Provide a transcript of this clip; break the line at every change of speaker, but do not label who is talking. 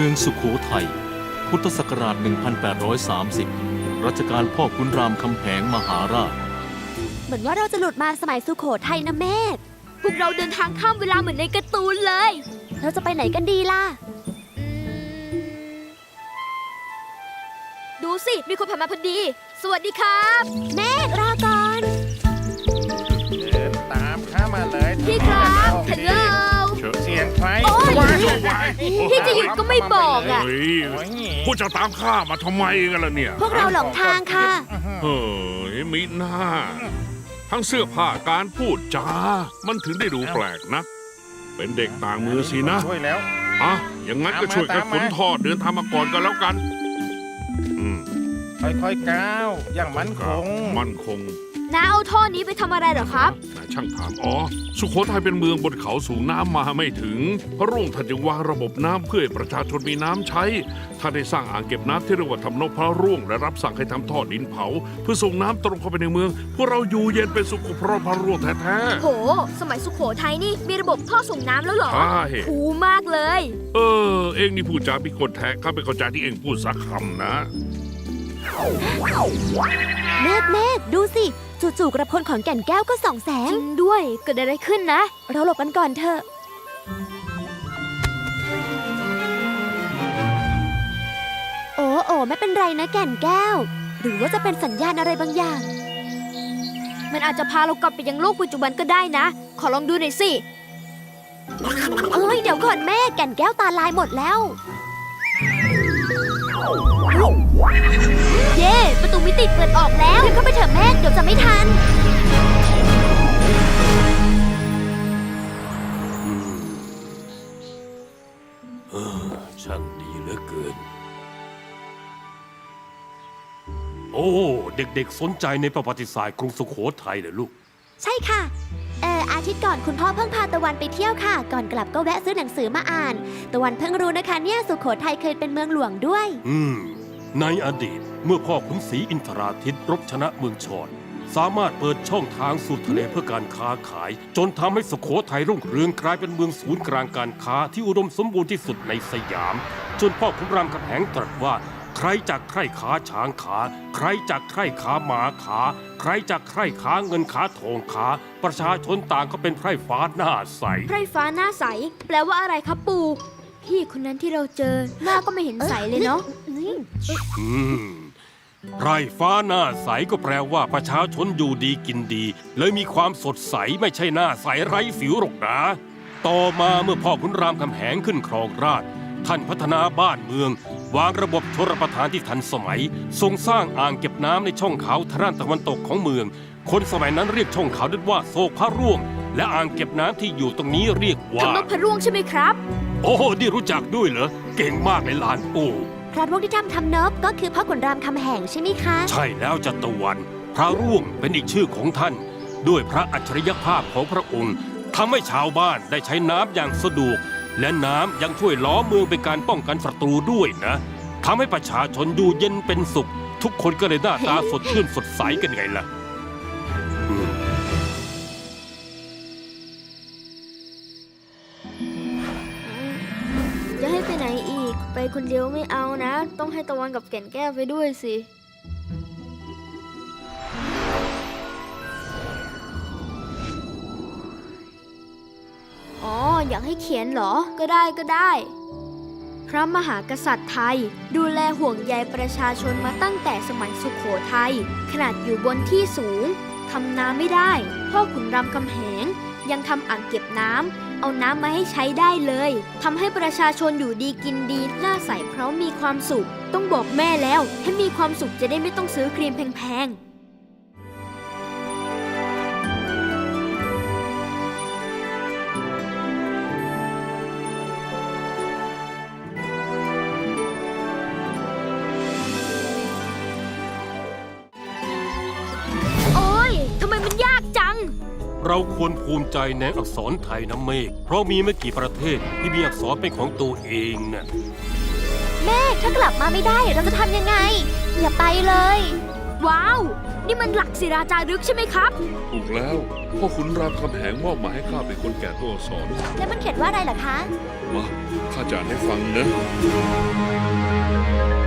องสุโขทัยพุทธศักราช 1830 รัชกาลพ่อขุนรามคำแหงมหาราช
เหมือนว่าเราจะหลุดมาสมัยสุโขทัยนะเมธ
พวกเราเดินทางข้ามเวลาเหมือนในการ์ตูนเลย
เราจะไปไหนกันดีล่ะ
ดูสิ มีคนผ่านมาพอดี สวัสดีครับ
เมธรอก่อน
เดินตามข้ามาเลย
พี่ครับฮัลโหล
เสียงไฟ
โอ้ย พี่จะหยุดก็ไม่บอกอ่ะ
เฮ้ยพวกเจะตามข้ามาทำไมกันล่ะเนี่ย
พวกเราหลงทางค่ะ
เฮ้ยมีหน้า ทั้งเสื้อผ้าการพูดจา มันถึงได้ดูแปลกนะ เป็นเด็กต่างมือสินะ
ช่วยแล้ว
อ่ะอย่างนั้นก็ช่วยกันขนท่อเดินทางมาก่อนกันแล้วกัน
ค่อยๆก้าวอย่างมั่นคง
มั่นคง
น้าเอาท่อนี้ไปทำอะไรเหรอครับ
นายช่างถามอ๋อ สุโขทัยเป็นเมืองบนเขาสูงน้ำมาไม่ถึง พระรุ่งท่านจึงวางระบบน้ำเพื่อให้ประชาชนมีน้ำใช้ท่านได้สร้างอ่างเก็บน้ำที่เรียกว่าทำนกพระร่วงและรับสั่งให้ทำท่อดินเผา เพื่อส่งน้ำตรงเข้าไปในเมือง พวกเราอยู่เย็นเป็นสุขเพราะพระร่วงแท้
โห สมัยสุโขทัยนี่มีระบบท่อส่งน้ำแล้วเหรอ
ๆใช่
คูลมากเลย
เองนี่พูดจาพิกลแท้ข้าไม่เข้าใจที่เองพูดสักคำนะ
เมธดูสิ จู่ๆกระพลของแก่นแก้วก็ส่องแส
จ
ง
ริงด้วย เกิดอะไรขึ้นนะ
เราหลบกันก่อนเถอะ โอ้ไม่เป็นไรนะแก่นแก้ว หรือว่าจะเป็นสัญญาณอะไรบางอย่าง
มันอาจจะพาเรากลับไปยังโลกปัจจุบันก็ได้นะ ขอลองดูหน่อยสิ
เดี๋ยวก่อนแม่แก่นแก้วตาลายหมดแล้ว
เย่ประตูมิติเปิดออกแล้ว
เดินเข้าไปเถอะแม่เดี๋ยวจะไม่ทัน
ช่างดีเหลือเกิน โอ้ เด็กๆสนใจในประวัติศาสตร์กรุงสุโขทัยเลยลูก
ใช่ค่ะ อาทิตย์ก่อนคุณพ่อเพิ่งพาตะวันไปเที่ยวค่ะ ก่อนกลับก็แวะซื้อหนังสือมาอ่าน ตะวันเพิ่งรู้นะคะเนี่ยสุโขทัยเคยเป็นเมืองหลวงด้วย
ในอดีตเมื่อพ่อขุนศรีอินทราทิตรบชนะเมืองชอนสามารถเปิดช่องทางสู่ทะเลเพื่อการค้าขาย จนทำให้สุโขทัยรุ่งเรืองกลายเป็นเมืองศูนย์กลางการค้าที่อุดมสมบูรณ์ที่สุดในสยาม จนพ่อขุนรามคำแหงตรัสว่า ใครจากใคร่ขาช้างขา ใครจากใคร่ขาหมาขา ใครจากใคร่ขาเงินขาทองขา ประชาชนต่างก็เป็นไพร่ฟ้าหน้าใส
ไพร่ฟ้าหน้าใส แปลว่าอะไรครับปู่ พี่คนนั้นที่เราเจอ หน้าก็ไม่เห็นใสเลยเนาะ
ไพร่ฟ้าหน้าใสก็แปลว่าประชาชนอยู่ดีกินดี เลยมีความสดใสไม่ใช่หน้าใสไร้สิวหรอกนะ ต่อมาเมื่อพ่อขุนรามคำแหงขึ้นครองราชย์ท่านพัฒนาบ้านเมือง วางระบบชลประทานที่ทันสมัยทรงสร้างอ่างเก็บน้ำในช่องเขาทางด้านตะวันตกของเมือง คนสมัยนั้นเรียกช่องเขาด้วยว่าโศกพระร่วง และอ่างเก็บน้ำที่อยู่ตรงนี้เรียกว่า
ทำนกพระร่วงใช่ไหมครับ
โอ้นี่รู้จักด้วยเหรอเก่งมากเลยหลานปู่
พระร่วงที่ทำนบก็คือพ่อขุนรามคำแหงใช่ไหมคะ
ใช่แล้วจัตวัน พระร่วงเป็นอีกชื่อของท่าน ด้วยพระอัจฉริยภาพของพระองค์ทำให้ชาวบ้านได้ใช้น้ำอย่างสะดวก และน้ำยังช่วยล้อมเมืองเป็นการป้องกันศัตรูด้วยนะทำให้ประชาชนอยู่เย็นเป็นสุข ทุกคนก็เลยหน้าตาสดชื่นสดใสกันไงล่ะ
จะให้ไปไหนอีก ไปคนเดียวไม่เอานะ ต้องให้ตะวันกับแก่นแก้วไปด้วยสิ อ๋อ อยากให้เขียนเหรอ ก็ได้ก็ได้ พระมหากษัตริย์ไทย ดูแลห่วงใยประชาชนมาตั้งแต่สมัยสุขโขทัยขนาดอยู่บนที่สูงทำนาไม่ได้ พ่อขุนรามคำแหงยังทำอ่างเก็บน้ำเอาน้ำมาให้ใช้ได้เลยทำให้ประชาชนอยู่ดีกินดีหน้าใสเพราะมีความสุข ต้องบอกแม่แล้วให้มีความสุขจะได้ไม่ต้องซื้อครีมแพงๆทำไมมันยากจัง
เราควรภูมิใจในอักษรไทยนะเมฆเพราะมีไม่กี่ประเทศที่มีอักษรเป็นของตัวเองน่ะ
แม่ถ้ากลับมาไม่ได้เราจะทำยังไง อย่าไปเลย
ว้าว นี่มันหลักศิราจารึกใช่ไหมครับ
ถูกแล้วพ่อขุนรามคำแหงมอบหมายให้ข้าเป็นคนแก่ตัวอักษร
แล้วมันเขียนว่าอะไรเหรอคะ
มาข้าจะอ่านให้ฟังนะ